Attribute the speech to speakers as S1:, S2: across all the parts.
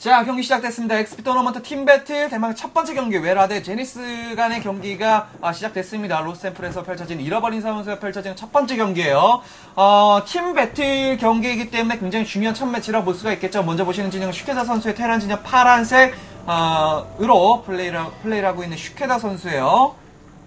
S1: 자, 경기 시작됐습니다. XP 토너먼트 팀 배틀 대망 첫 번째 경기 웨라 대 제니스 간의 경기가 시작됐습니다. 로스템플에서 펼쳐진 잃어버린 사무소에서 펼쳐진 첫 번제 경기예요. 팀 배틀 경기이기 때문에 굉장히 중요한 첫 매치라고 볼 수가 있겠죠. 먼저 보시는 진영 슈케다 선수의 테란 진영 파란색 으로 플레이를 하고 있는 슈케다 선수예요.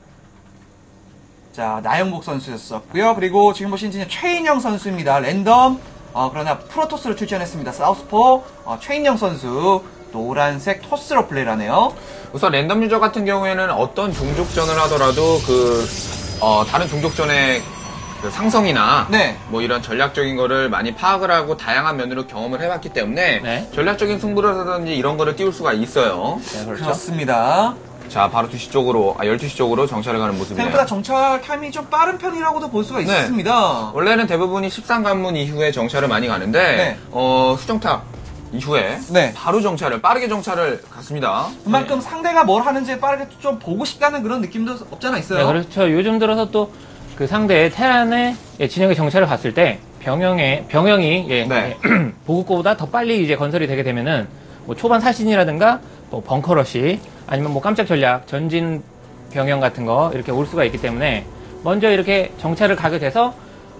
S1: 자, 나영복 선수였었고요. 그리고 지금 보시는 진영 최인영 선수입니다. 랜덤 그러나 프로토스로 출전했습니다. 사우스포 최인영 선수 노란색 토스로 플레이를 하네요.
S2: 우선 랜덤 유저 같은 경우에는 어떤 종족전을 하더라도 다른 종족전의 그 상성이나
S1: 네.
S2: 뭐 이런 전략적인 거를 많이 파악을 하고 다양한 면으로 경험을 해봤기 때문에
S3: 네.
S2: 전략적인 승부라든지 이런 거를 띄울 수가 있어요.
S3: 네, 그렇죠.
S1: 그렇습니다.
S2: 자, 바로 2시 쪽으로, 12시 쪽으로 정찰을 가는 모습이네요.
S1: 생각보다 정찰 타이밍이 좀 빠른 편이라고도 볼 수가
S2: 네.
S1: 있습니다.
S2: 원래는 대부분이 13관문 이후에 정찰을 많이 가는데,
S1: 네.
S2: 수정탑 이후에
S1: 네.
S2: 바로 빠르게 정찰을 갔습니다.
S1: 그만큼 상대가 뭘 하는지 빠르게 좀 보고 싶다는 그런 느낌도 없잖아 있어요.
S3: 네, 그렇죠. 요즘 들어서 또 그 상대의 테란의 진영의 정찰을 봤을 때 병영이
S2: 네.
S3: 보급고보다 더 빨리 이제 건설이 되게 되면은 뭐 초반 사신이라든가 뭐 벙커러시 아니면 뭐 깜짝 전략 전진 병영 같은 거 이렇게 올 수가 있기 때문에 먼저 이렇게 정찰을 가게 돼서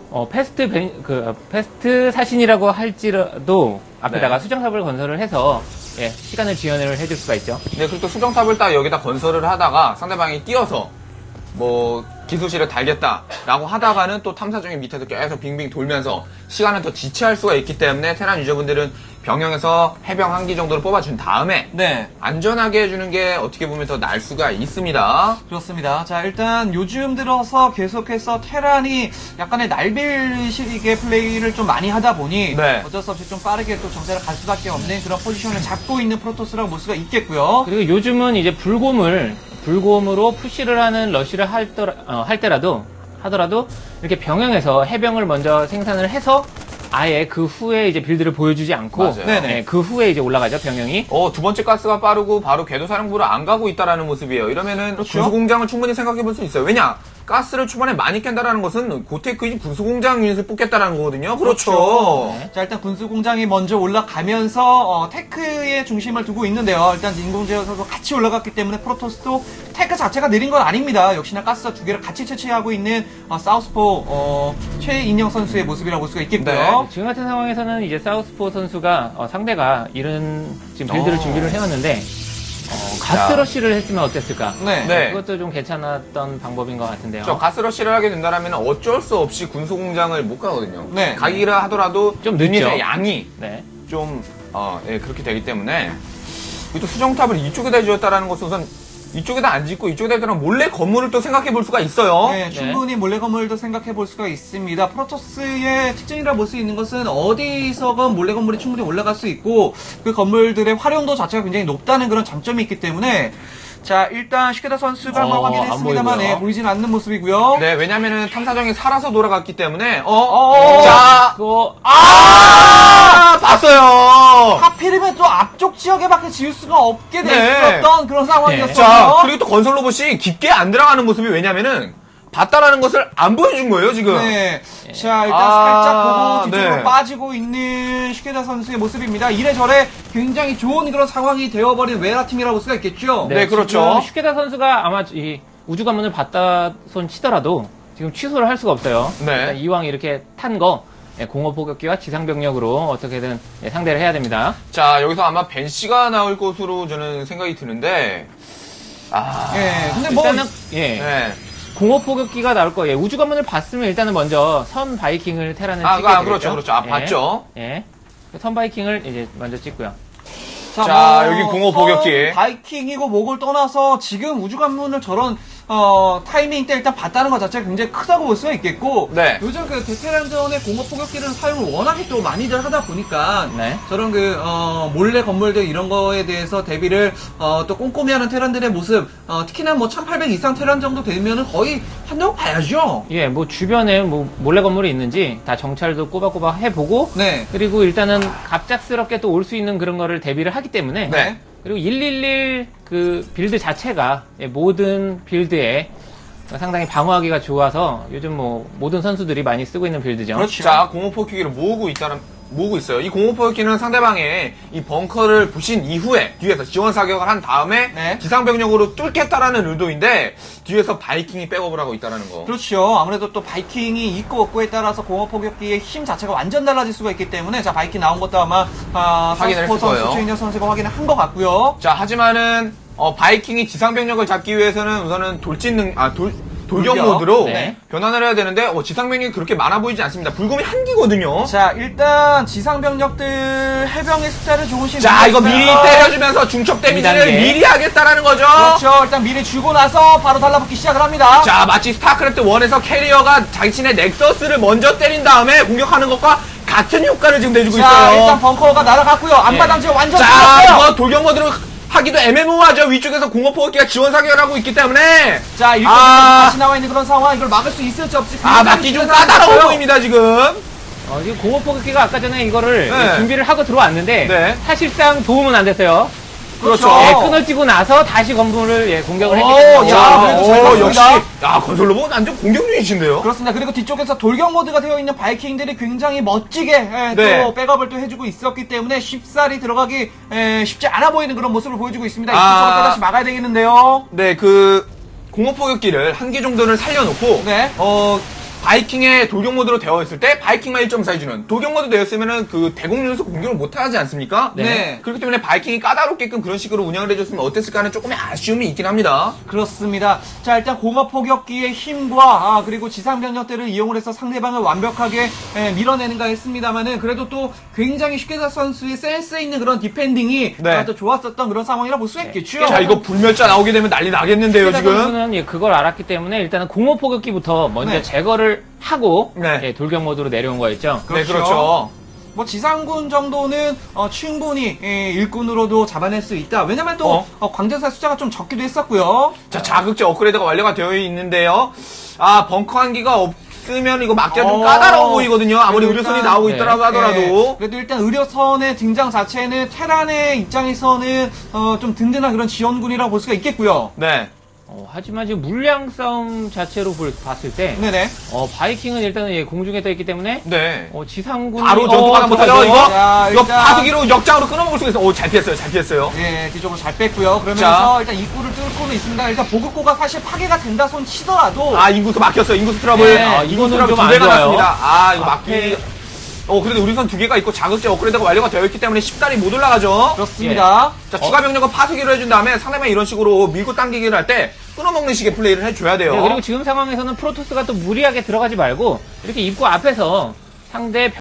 S3: 패스트 사신이라고 할지라도 앞에다가
S2: 네.
S3: 수정탑을 건설을 해서 시간을 지연을 해줄 수가 있죠.
S2: 네, 그리고 또 수정탑을 딱 여기다 건설을 하다가 상대방이 뛰어서 뭐 기술실을 달겠다라고 하다가는 또 탐사정이 밑에서 계속 빙빙 돌면서 시간을 더 지체할 수가 있기 때문에 테란 유저분들은 병영에서 해병 한 기 정도를 뽑아준 다음에
S1: 네.
S2: 안전하게 해주는 게 어떻게 보면 더 나을 수가 있습니다.
S1: 그렇습니다. 자, 일단 요즘 들어서 계속해서 테란이 약간의 날빌식의 플레이를 좀 많이 하다 보니
S2: 네.
S1: 어쩔 수 없이 좀 빠르게 또 정찰을 갈 수밖에 없는 그런 포지션을 잡고 있는 프로토스라고 볼 수가 있겠고요.
S3: 그리고 요즘은 이제 불곰으로 푸시를 하는 러쉬를 하더라도 이렇게 병영에서 해병을 먼저 생산을 해서 아예 그 후에 이제 빌드를 보여주지 않고
S2: 맞아요.
S1: 네네.
S3: 그 후에 이제 올라가죠 병영이.
S2: 두 번째 가스가 빠르고 바로 궤도사령부를 안 가고 있다라는 모습이에요. 이러면은
S1: 그렇죠.
S2: 군수공장을 충분히 생각해 볼 수 있어요. 왜냐? 가스를 초반에 많이 깬다라는 것은 고테크인 군수공장 유닛을 뽑겠다라는 거거든요. 그렇죠.
S1: 네. 자, 일단 군수공장이 먼저 올라가면서 테크의 중심을 두고 있는데요. 일단 인공지어서도 같이 올라갔기 때문에 프로토스도 테크 자체가 느린 건 아닙니다. 역시나 가스 두 개를 같이 채취하고 있는 사우스포 최인영 선수의 모습이라고 볼 수가 있겠고요.
S2: 네.
S3: 지금 같은 상황에서는 이제 사우스포 선수가 상대가 이런 지금 빌드를 준비를 해왔는데 가스러쉬를 했으면 어땠을까?
S2: 네.
S3: 그것도 좀 괜찮았던 방법인 것 같은데요.
S2: 저 가스러시를 하게 된다면 어쩔 수 없이 군수공장을 못 가거든요.
S1: 네.
S2: 가기라 하더라도
S3: 좀 늦죠.
S2: 유닛의 양이
S3: 네.
S2: 좀 그렇게 되기 때문에 또 수정탑을 이쪽에다 지었다라는 것은 우선 이쪽에다 안 짓고 이쪽에다 지으면 몰래 건물을 또 생각해 볼 수가 있어요.
S1: 네, 충분히 몰래 건물도 생각해 볼 수가 있습니다. 프로토스의 특징이라 볼 수 있는 것은 어디서건 몰래 건물이 충분히 올라갈 수 있고 그 건물들의 활용도 자체가 굉장히 높다는 그런 장점이 있기 때문에 자, 일단 슈케다 선수가 한번
S3: 안
S1: 확인했습니다만
S3: 보이고요.
S1: 보이진 않는 모습이고요.
S2: 네, 왜냐면은 탐사정이 살아서 돌아갔기 때문에
S1: 자,
S3: 그거
S2: 봤어요.
S1: 하필이면 또 앞쪽 지역에밖에 지을 수가 없게
S2: 네.
S1: 됐었던 그런 상황이었어요.
S2: 자, 그리고 또 건설 로봇이 깊게 안 들어가는 모습이 왜냐면은 봤다라는 것을 안 보여준 거예요, 지금.
S1: 네. 자, 일단 살짝 보고 뒤쪽으로
S2: 네.
S1: 빠지고 있는 슈케다 선수의 모습입니다. 이래저래 굉장히 좋은 그런 상황이 되어버린 웨라 팀이라고 볼 수가 있겠죠.
S2: 네, 그렇죠.
S3: 지금 슈케다 선수가 아마 이 우주 관문을 받다 손 치더라도 지금 취소를 할 수가 없어요.
S2: 네.
S3: 일단 이왕 이렇게 탄 거 공업 포격기와 지상병력으로 어떻게든 상대를 해야 됩니다.
S2: 자, 여기서 아마 벤 씨가 나올 것으로 저는 생각이 드는데,
S1: 예, 근데 뭐
S3: 일단은
S2: 네.
S3: 공업 포격기가 나올 거예요. 우주 관문을 봤으면 일단은 먼저 선 바이킹을 테라는 찍게 되겠죠.
S2: 그렇죠. 봤죠.
S3: 예. 선 바이킹을 이제 먼저 찍고요.
S2: 자, 여기 공업 포격기.
S1: 바이킹이고 목을 떠나서 지금 우주관문을 저런 타이밍 때 일단 봤다는 것 자체가 굉장히 크다고 볼 수가 있겠고
S2: 네.
S1: 요즘 그 베테랑전의 공업 포격기를 사용을 워낙에 또 많이들 하다 보니까
S3: 네.
S1: 저런 그 몰래 건물들 이런 거에 대해서 대비를 또 꼼꼼히 하는 테란들의 모습 특히나 뭐 1800 이상 테란 정도 되면은 거의 한다고 봐야죠.
S3: 예, 뭐 주변에 뭐 몰래 건물이 있는지 다 정찰도 꼬박꼬박 해보고
S1: 네.
S3: 그리고 일단은 갑작스럽게 또 올 수 있는 그런 거를 대비를 하기 때문에
S2: 네.
S3: 그리고 111 그 빌드 자체가 모든 빌드에 상당히 방어하기가 좋아서 요즘 뭐 모든 선수들이 많이 쓰고 있는 빌드죠.
S1: 그렇죠.
S2: 자, 공업 포격기를 모으고 있다는 모으고 있어요. 이 공업포격기는 상대방의 이 벙커를 부신 이후에 뒤에서 지원 사격을 한 다음에
S1: 네.
S2: 지상병력으로 뚫겠다라는 의도인데 뒤에서 바이킹이 백업을 하고 있다는 거.
S1: 그렇죠. 아무래도 또 바이킹이 있고 없고에 따라서 공업 포격기의 힘 자체가 완전 달라질 수가 있기 때문에 자 바이킹 나온 것도 아마
S2: 확인을
S1: 사스포
S2: 했을 거예요.
S1: 선수, 최인혁 선수가 확인을 한 것 같고요.
S2: 자, 하지만은 바이킹이 지상병력을 잡기 위해서는 우선은 돌격
S1: 돌격.
S2: 모드로
S3: 네.
S2: 변환을 해야 되는데 지상병력이 그렇게 많아 보이지 않습니다. 불금이 한 기거든요.
S1: 자 일단 지상 병력들 해병의 숫자를 조금씩
S2: 자, 이거 미리
S1: 늘려주면서
S2: 때려주면서 중첩 데미지를
S3: 2단계.
S2: 미리 하겠다라는 거죠.
S1: 그렇죠. 일단 미리 주고 나서 바로 달라붙기 시작을 합니다.
S2: 자, 마치 스타크래프트 1에서 캐리어가 자신의 넥서스를 먼저 때린 다음에 공격하는 것과 같은 효과를 지금 내주고
S1: 자,
S2: 있어요.
S1: 일단 벙커가 날아갔고요. 앞마당 지금 완전
S2: 자,
S1: 뚫었어요.
S2: 이거 돌격 모드로 하기도 애매모호하죠. 위쪽에서 공업포격기가 지원 사격을 하고 있기 때문에.
S1: 자, 일단 다시 나와 있는 그런 상황. 이걸 막을 수 있을지 없을지.
S2: 막기 좀 까다로워 보입니다, 지금.
S3: 지금 공업포격기가 아까 전에 이거를
S2: 네.
S3: 준비를 하고 들어왔는데
S2: 네.
S3: 사실상 도움은 안 됐어요.
S2: 그렇죠.
S3: 예, 끊어지고 나서 다시 건물을 공격을 했기
S1: 오,
S3: 때문에
S1: 야, 그래도 잘
S2: 역시.
S1: 봤습니다.
S2: 야, 건설 로봇 완전 공격 유닛인데요.
S1: 그렇습니다. 그리고 뒤쪽에서 돌격 모드가 되어 있는 바이킹들이 굉장히 멋지게
S2: 네.
S1: 또 백업을 또 해주고 있었기 때문에 쉽사리 들어가기 쉽지 않아 보이는 그런 모습을 보여주고 있습니다.
S2: 아.
S1: 이쪽으로 또다시 막아야 되겠는데요.
S2: 네, 공업포격기를 한 개 정도는 살려놓고,
S1: 네.
S2: 바이킹의 돌격 모드로 되어 있을 때 바이킹만 1.4 주는 돌격 모드 되었으면은 대공연에서 공격을 못 하지 않습니까?
S1: 네.
S2: 그렇기 때문에 바이킹이 까다롭게끔 그런 식으로 운영을 해줬으면 어땠을까 하는 조금의 아쉬움이 있긴 합니다.
S1: 그렇습니다. 자, 일단 공업 포격기의 힘과 그리고 지상 병력들을 이용을 해서 상대방을 완벽하게 밀어내는가 했습니다만은 그래도 또 굉장히 슈케자 선수의 센스 있는 그런 디펜딩이
S2: 네.
S1: 또 좋았었던 그런 상황이라 볼 수 있겠죠.
S2: 자, 이거 불멸자 나오게 되면 난리 나겠는데요,
S3: 슈케자
S2: 지금.
S3: 선수는 그걸 알았기 때문에 일단은 공업포격기부터 먼저
S1: 네.
S3: 제거를 하고
S2: 네.
S3: 돌격 모드로 내려온 거였죠.
S2: 네, 그렇죠.
S1: 뭐 지상군 정도는 충분히 일꾼으로도 잡아낼 수 있다. 왜냐면 또 광전사 숫자가 좀 적기도 했었고요.
S2: 자, 자극제 업그레이드가 완료가 되어 있는데요. 벙커 한기가 없으면 이거 막기가 좀
S1: 어.
S2: 까다로워 보이거든요. 아무리
S1: 그래도
S2: 의료선이
S1: 일단,
S2: 나오고
S3: 네.
S2: 있더라고 하더라도.
S1: 그래도 일단 의료선의 등장 자체는 테란의 입장에서는 좀 든든한 그런 지원군이라고 볼 수가 있겠고요.
S2: 네.
S3: 하지만 지금 물량 싸움 자체로 봤을 때
S1: 네네.
S3: 바이킹은 일단은 공중에 떠 있기 때문에
S2: 네.
S3: 지상군이
S2: 바로 전투가 못하죠,
S3: 들어가죠.
S2: 이거?
S1: 자,
S2: 이거
S1: 일단-
S2: 파수기로 역장으로 끊어먹을 수가 있어. 잘 피했어요, 잘 피했어요.
S1: 네, 뒤쪽으로 잘 뺐고요. 그러면서
S2: 자.
S1: 일단 입구를 뚫고는 있습니다. 일단 보급고가 사실 파괴가 된다 손 치더라도
S2: 인구수 막혔어요. 인구수 트러블.
S1: 네,
S2: 인구수
S3: 이거는
S2: 트러블
S3: 좀
S2: 2배가
S3: 안 좋아요.
S2: 났습니다. 이거 막기.
S3: 앞에-
S2: 그래도 우리선 2개가 있고 자극제 업그레이드가 완료가 되어 있기 때문에 쉽다리 못 올라가죠.
S1: 그렇습니다.
S2: 자, 추가 병력은 파수기로 해준 다음에 상대방이 이런 식으로 밀고 당기기를 할 때 끊어먹는 식의 플레이를 해줘야 돼요.
S3: 그리고 지금 상황에서는 프로토스가 또 무리하게 들어가지 말고 이렇게 입구 앞에서 상대